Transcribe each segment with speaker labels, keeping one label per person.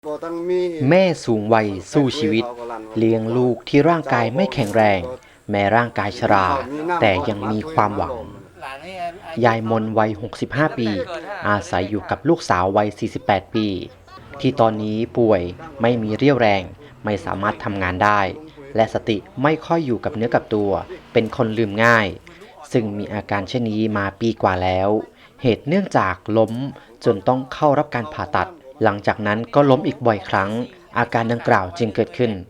Speaker 1: แม่สูงวัยสู้ชีวิตเลี้ยงลูกที่ร่างกายไม่แข็งแรงแม้ร่างกายชราแต่ยังมีความหวังยายมนวัย65ปีอาศัยอยู่กับลูกสาววัย48ปีที่ตอนนี้ป่วยไม่มีเรี่ยวแรงไม่สามารถทำงานได้และสติไม่ค่อยอยู่กับเนื้อกับตัวเป็นคนลืมง่ายซึ่งมีอาการเช่นนี้มาปีกว่าแล้วเหตุเนื่องจากล้มจนต้องเข้ารับการผ่าตัดหลังจากนั้นก็ล้มอีกบ่อยครั้งอาการดังกล่าวจึงเกิดขึ้น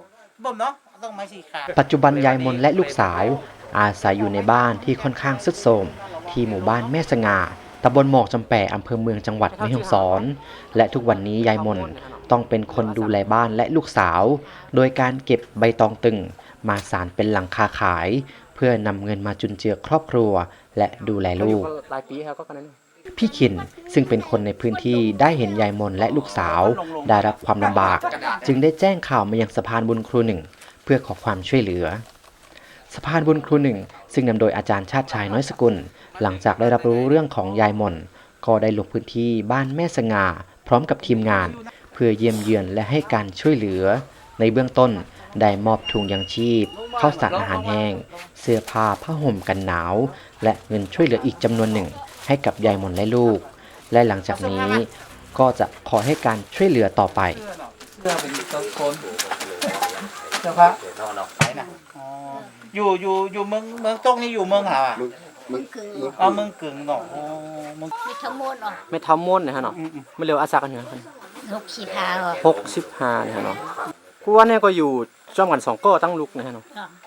Speaker 1: ปัจจุบันยายมนและลูกสาวอาศัยอยู่ในบ้านที่ค่อนข้างทรุดโทรมที่หมู่บ้านแม่สง่าตำบลหมอกจำแปอำเภอเมืองจังหวัดแม่ฮ่องสอนและทุกวันนี้ยายมนต้องเป็นคนดูแลบ้านและลูกสาวโดยการเก็บใบตองตึงมาสานเป็นหลังคาขายเพื่อนำเงินมาจุนเจือครอบครัวและดูแลลูกพี่ขินซึ่งเป็นคนในพื้นที่ได้เห็นยายมนและลูกสาวได้รับความลำบากจึงได้แจ้งข่าวมายังสะพานบุญครูหนึ่งเพื่อขอความช่วยเหลือสะพานบุญครูหนึ่งซึ่งนำโดยอาจารย์ชาติชายน้อยสกุลหลังจากได้รับรู้เรื่องของยายมนก็ได้ลงพื้นที่บ้านแม่สง่าพร้อมกับทีมงานเพื่อเยี่ยมเยือนและให้การช่วยเหลือในเบื้องต้นได้มอบถุงยังชีพข้าวสารอาหารแห้งเสื้อผ้าผ้าห่มกันหนาวและเงินช่วยเหลืออีกจำนวนหนึ่งให้กับยายมนและลูกและหลังจากนี้ก็จะขอให้การช่วยเหลือต่อไป
Speaker 2: เพื่อเป็นคนเจ้าพระไปนะอยู่เมืองตรงนี่อยู่เมืองหา
Speaker 3: เมืองกึ่ง
Speaker 2: เมืองกึ่งเนาะ
Speaker 3: ไม่ทั้งหมดหรอ
Speaker 1: ไม่ทำมดนะฮะเนาะไม่เร็วอาซากันเหรอ
Speaker 3: 65หรอ
Speaker 1: 65นะฮะเนาะกูว่าเนี่ยก็อยู่จ้อมกัน2ก็ตั้งลูกนะฮะเนาะ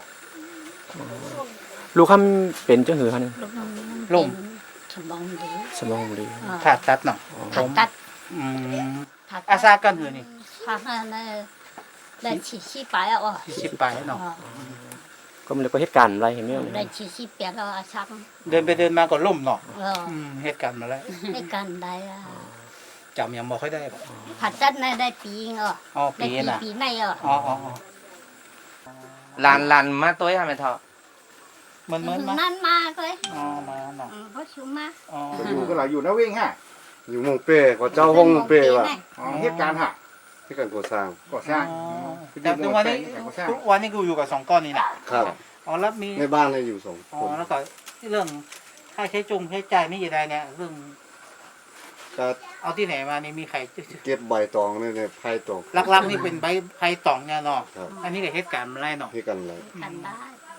Speaker 1: ลูกคำเป็นจังหือฮะนี่
Speaker 2: ลุ่ม
Speaker 1: สมองดี
Speaker 2: ผ่าตัดเนาะ
Speaker 3: ผ่าตัด
Speaker 2: อาซากันหือนี่
Speaker 3: ผ่าตัดได้ชี้ไปอ่ะ
Speaker 2: ชี้ไปเนาะ
Speaker 1: ก็มันเลยก็เหตุการณ์อะไรเห็นไหม
Speaker 3: ได้ชี้เปียกแล้วอาซัก
Speaker 2: เดินไปเดินมาก็ล่มเนาะเหตุการณ์มาแล้ว
Speaker 3: เหตุการณ์ใด
Speaker 2: จำยังบ่ค่อยได้
Speaker 3: ผ่าตัดได้ปี
Speaker 2: ปีน่ะ
Speaker 3: ปีไหน
Speaker 1: ลานมาตัวยังไม่เท่า
Speaker 3: มันนั่นมากเลย
Speaker 2: มาเนาะ
Speaker 3: เพราะชุมมา
Speaker 4: อยู่ก็หลายอยู่นะวิ่งฮะอยู่มงเป้ก็เจ้าห้องมงเป้ว่ะเหตุการณ์ฮะที่การก่อสร้าง
Speaker 2: แต่ทุกวันนี้กูอยู่กับ2ก้อนนี่นะครับแล้วมี
Speaker 4: ในบ้านเลยอยู่2คน
Speaker 2: แล้วก็เรื่องค่าใช้จ่ายนี่ยังไงเนี่ยเรื่องเอาที่ไหนมานี่มีใคร
Speaker 4: เก็บใบตองเนี่ยไผ่ตอง
Speaker 2: ลักๆนี่เป็นใบไผ่ตองเนี่ยเนาะอันนี้ก็เหตุการณ์อะไรเนาะ
Speaker 4: เหตุการณ์อะไร
Speaker 3: กันได้